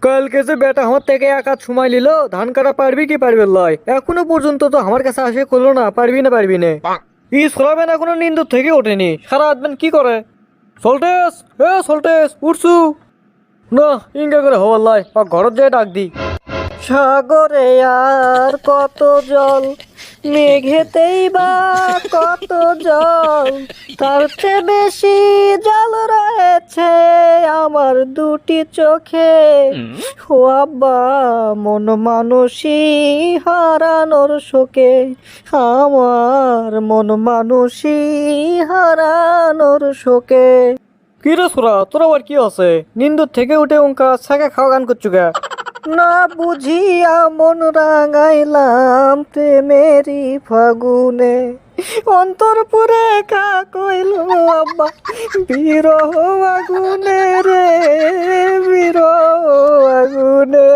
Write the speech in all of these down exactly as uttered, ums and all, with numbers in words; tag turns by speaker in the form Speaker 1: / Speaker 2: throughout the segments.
Speaker 1: কালকে যে বেটা আমার থেকে এক হাত সময় নিল ধান কাটা পারবি কি পারবে লয়, এখনো পর্যন্ত তো আমার কাছে আসে করলো না পারবি না পারবি না। ই সরাবেন এখনো নিন্দুর থেকে ওঠেনি, সারা রাত কি করে। সল্টেস এ সল্টেস উঠছু না, ইঙ্গা করে হওয়ার লয় ঘরত যায় ডাক দি। সাগরে আর কত জল, মেঘেতেই বা কত জল, তার চেয়ে বেশি জল রয়েছে আমার দুটি চোখে। ও আব্বা মন মানুষই হারানোর শোকে, আমার মন মানুষই হারানোর শোকে। কি রে সোরা, তোর আবার কি আছে? নিন্দুর থেকে উঠে উনকা ছাকা খাওয়া গান করছু গা? না বুঝিয়া মন রাঙাইলাম প্রেমেরই ফাগুনে, অন্তর পুরে কা কইল আব্বা বিরহ আগুনে রে, বিরহ আগুনে।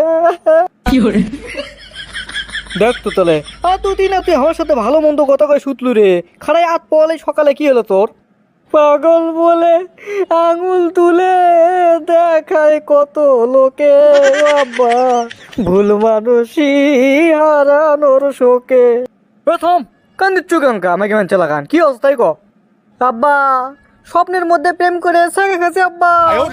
Speaker 1: দেখ তো তাহলে আর দুদিন তুই আমার সাথে ভালো মন্দ কথা কয়ে শুতলু রে, খাড়াই আত পলে সকালে কি হলো তোর? পাগল বলে আঙুল তুলে দেখায় কত লোকে, বাবা ভুল মানুষই হারানোর শোকে। প্রথম কান দিচ্ছু কেমন আমাকে মান চালাকান কি অবস্থায় ক? আব্বা স্বপ্নের মধ্যে প্রেম করে সাকা খাচ্ছে আব্বা।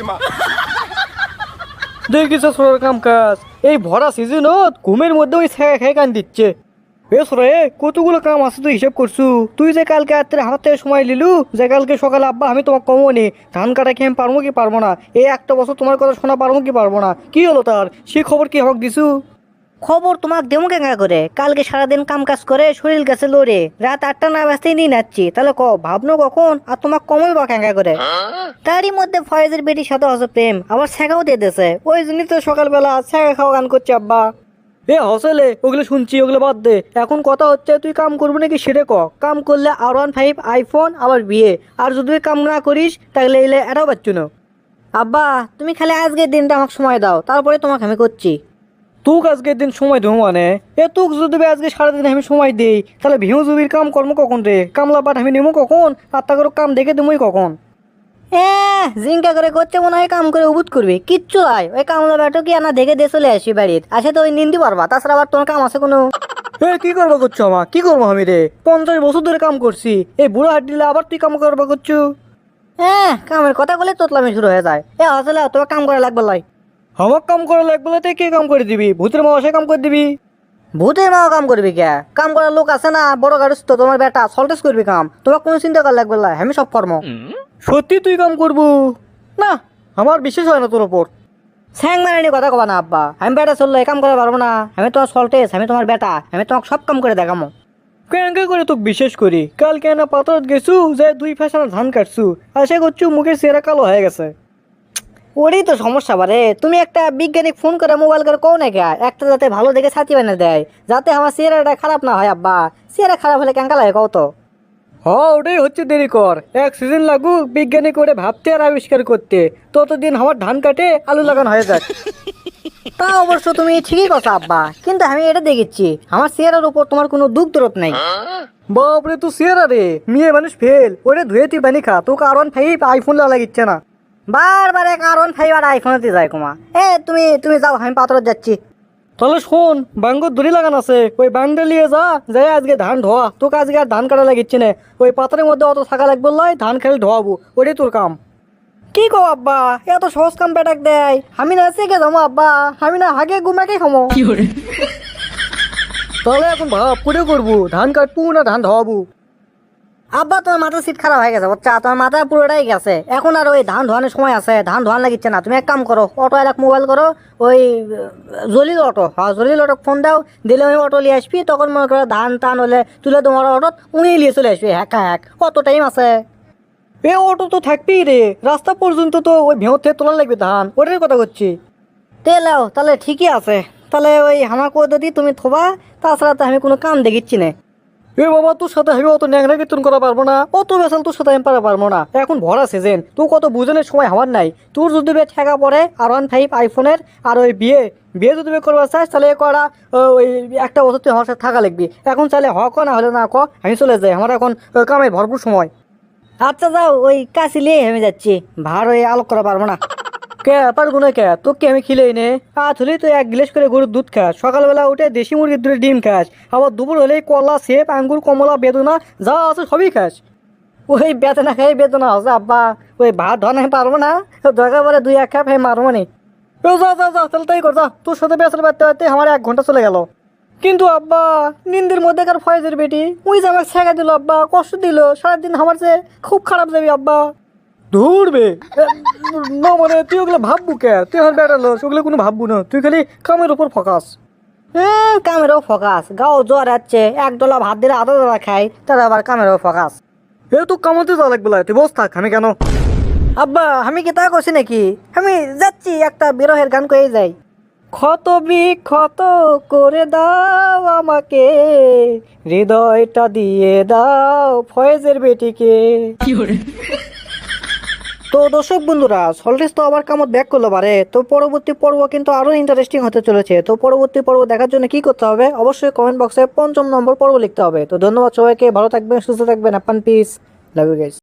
Speaker 1: দেখিস সোনার কাম কাজ এই ভরা সিজনত ঘুমের মধ্যে ওই ছায়া খেয়ে কান দিচ্ছে। বেশ রে কতগুলো কাম আছে তুই হিসাব করছু? তুই যে কালকে রাত্রে আমার থেকে সময় লিলু যে কালকে সকালে আব্বা আমি তোমাকে কমো নি ধান কাটা খেয়ে আমি পারবো কি পারবো না, এই একটা বছর তোমার কথা শোনা পারবো কি পারবো না, কি হলো তার? সে খবর কি হক দিছু?
Speaker 2: খবর তোমাকে দেবো কেঙ্গা করে? কালকে সারাদিন কাম কাজ করে শরীর গেছে লড়ে রাত আটটা না বাজতেই নিয়ে নাচ্ছি, তাহলে ক ভাবনো কখন আর তোমাকে কমই বা কেঙ্গা করে? তারই মধ্যে ফয়েজের বেটির সাথে হচ্ছে প্রেম, আবার ছ্যাঁকাও দিয়ে দিয়েছে, ওই জন্যই তো সকালবেলা ছ্যাঁকা খাওয়া গান করছে আব্বা।
Speaker 1: এ হসেলে ওগুলো শুনছি ওগুলো বাদ দে, এখন কথা হচ্ছে তুই কাম করবি নাকি সেটা ক। কাম করলে আর ওয়ান ফাইভ আইফোন আবার বিয়ে, আর যদি তুই কাম না করিস তাহলে এলে এটাও পাচ্ছ না।
Speaker 2: আব্বা তুমি খালি আজকের দিনটা আমাকে সময় দাও, তারপরে তোমাকে আমি করছি।
Speaker 1: তুক আজকের দিন সময় দেবো মানে? এ তুক যদি আজকে সারাদিন আমি সময় দিই তাহলে ভিউ জুবির কাম কর্ম কখন রে? কামলা পাঠ আমি নেবো কখন আর তা করে কাম দেখে দেবোই কখন?
Speaker 2: হ্যাঁ জিঙ্কা করে করছে মনে হয় কাম করে উবুত করবি, কিচ্ছু নয়, ওই কামলা ব্যাটো কি আনা দেখে দিয়ে চলে আসি বাড়ির, আসে তো ওই নিন্দি পারবা, তাছাড়া আবার তোমার কাম আছে কোনো?
Speaker 1: এ কি করবো করছো আমা, কি করবো আমি রে? পঞ্চাশ বছর ধরে কাম করছি, এই বুড়ো হাট দিলে আবার তুই কাম করবো করছু?
Speaker 2: হ্যাঁ কামের কথা বলে তোতলামি শুরু হয়ে যায়। এ আসলে তোমার কাম করা লাগবে লাই।
Speaker 1: আমার কাম করা লাগবে না, কে কাম করে দিবি? ভূতের মাসে কাম করে দিবি?
Speaker 2: ভূতের মাও কাম করবি কে? কাম করার লোক আছে না, বড় গাড়ি তো তোমার বেটা সল্টেস করবি কাম, তোমার কোনো চিন্তা করা লাগবে না, আমি সব কর্ম।
Speaker 1: সত্যি তুই কাম করবো? না আমার বিশ্বাস হয় না তোর ওপর।
Speaker 2: স্যাং মারানি কথা কবা না আব্বা, আমি বেটা চললে কাম করা পারবো না, আমি তোমার সল্টেস, আমি তোমার বেটা, আমি তোমাকে সব কাম করে দেখামো।
Speaker 1: কেন করে তোকে বিশেষ করি? কাল কেন পাথর গেছু যে দুই ফ্যাশনে ধান কাটছু, আশা করছু মুখের চেহারা কালো হয়ে গেছে।
Speaker 2: ওরই তো সমস্যা বারে, তুমি একটা বিজ্ঞানিক ফোন করে মোবাইল করে কও না কে একটা যাতে ভালো দেখে ছাতি বানিয়ে দেয়, যাতে আমার চেহারাটা খারাপ না হয় আব্বা, চেহারা খারাপ হলে কেঙ্কা লাগে কও তো?
Speaker 1: হ ওটাই হচ্ছে, দেরি কর, এক সিজন লাগুক বিজ্ঞানী করে ভাবতে আর আবিষ্কার করতে, ততদিন আমার ধান কাটে আলু লাগানো হয়ে যাক।
Speaker 2: তা অবশ্য তুমি ঠিকই কথা আব্বা, কিন্তু আমি এটা দেখেছি আমার চেহারার উপর তোমার কোনো দুঃখ দরদ নাই।
Speaker 1: বাপরে তুই চেহারা রে, মেয়ে মানুষ ফেল, ওরে ধুয়ে তুই বানি খা, তোকে আর ওয়ান ফাইভ আইফোন লাগিচ্ছে না।
Speaker 2: বারবার কারণ ফাইভ আর আইফোনেতে যায় কুমা। এ তুমি তুমি যাও, আমি পাথর যাচ্ছি।
Speaker 1: তাহলে শোন, বাঙ্গর দড়ি লাগান আছে, ওই বাংটা নিয়ে যা, যাই আজকে ধান ধোয়া, তোকে আজকে আর ধান কাটা লাগিচ্ছে না, ওই পাথরের মধ্যে অত থাকা লাগবে লয়, ধান খেলে ধোয়াবো, ওটাই তোর কাম।
Speaker 2: কি কো আব্বা, এত সহজ কাম পেটাক দেয়, আমি না চেকে যাবো আব্বা, আমি না হাগে গুমাকে খামো।
Speaker 1: তাহলে এখন ভাব করে করবো, ধান কাটবো না ধান ধোয়াবো?
Speaker 2: আব্বা তোমার মাথা সিট খারাপ হয়ে গেছে বাচ্চা, তোমার মাথা পুরোটাই গেছে, এখন আর ওই ধান ধোয়ানোর সময় আছে? ধান ধোয়ান লাগিচ্ছে না, তুমি এক কাম করো, অটো এলাক মোবাইল করো, ওই জলিল অটো, হ্যাঁ জলিল অটো ফোন দাও, দিলে আমি অটো নিয়ে আসবি, তখন মনে করো ধান টান হলে তুলে তোমার অটো উনি নিয়ে চলে আসবি, হ্যাঁ হ্যাঁ কত টাইম আছে?
Speaker 1: এ অটো তো থাকবেই রে, রাস্তা পর্যন্ত তো ওই ভেঁত থেকে তোলা লাগবে ধান, ওটার কথা করছি।
Speaker 2: তেলাও তাহলে ঠিকই আছে, তাহলে ওই আমাকে যদি তুমি থোবা, তাছাড়া তো আমি কোনো কাম দেখিচ্ছি না।
Speaker 1: এ বাবা তোর সাথে আমি অত ন্যাংরা কীর্তন করা পারবো না, অত বেসাল তোর সাথে আমি পারা পারবো না, এখন ভরা সিজন, তুই কত বুঝনের সময় আমার নাই, তোর যদি বে ঠেকা পড়ে আর ওয়ান ফাইভ আইফোনের আর ওই বিয়ে বিয়ে যদি বে করবার চাস তাহলে করা ওই একটা বছর তুই আমার সাথে থাকা লাগবি, এখন চাইলে হ ক না হলে না ক, আমি চলে যাই, আমার এখন কামের ভরপুর সময়।
Speaker 2: আচ্ছা যাও, ওই কাশি লিয়ে আমি যাচ্ছি, ভার ওই আলোক করা পারবো না।
Speaker 1: কে পারবো না কে তোকে আমি খিলেই নে আজ হলে তুই এক গ্লাস করে গরুর দুধ খাস, সকালবেলা উঠে দেশি মুরগির দুধের ডিম খাস, আবার দুপুর হলেই কলা সেব আঙ্গুর কমলা বেদনা যা আছে সবই খাস।
Speaker 2: ওই বেদনা খাই বেদনা হচ্ছে আব্বা, ওই ভাত ধোয়া আমি পারবো না, দরকার পরে দুই এক কাপ মারবো নি।
Speaker 1: ও যা যা যা তাহলে তাই কর যা, তোর সাথে বেসার বাড়তে বাড়তে আমার এক ঘন্টা চলে গেল। কিন্তু আব্বা নিন্দের মধ্যেকার ফয়েজের বেটি ওই যে আমাকে ছেঁকা দিল আব্বা, কষ্ট দিল সারাদিন, আমার যে খুব খারাপ যাবি আব্বা। ধরবে না মানে তুই ওগুলো ভাববু কে, তুই আমার বেটার লোক, ওগুলো কোনো ভাববু না, তুই খালি কামের উপর ফোকাস।
Speaker 2: হ্যাঁ কামেরও ফোকাস, গাও জ্বর যাচ্ছে এক ডলা ভাত দিলে আধা ডলা খাই, তার আবার কামেরও ফোকাস।
Speaker 1: এ তো কামাতে যা লাগবে তুই বস থাক, আমি কেন।
Speaker 2: আব্বা আমি কি তা করছি নাকি, আমি যাচ্ছি একটা বিরহের গান করে যাই।
Speaker 1: ক্ষত বিক্ষত করে দাও আমাকে, হৃদয়টা দিয়ে দাও ফয়েজের বেটিকে। তো দর্শক বন্ধুরা সল্টেস তো আবার কামত ব্যাক করলো পারে, তো পরবর্তী পর্ব কিন্তু আরো ইন্টারেস্টিং হতে চলেছে। তো পরবর্তী পর্ব দেখার জন্য কি করতে হবে, অবশ্যই কমেন্ট বক্সে পঞ্চম নম্বর পর্ব লিখতে হবে। তো ধন্যবাদ সবাইকে, ভালো থাকবেন, সুস্থ থাকবেন, আপান পিস, লাভ ইউ গাইস।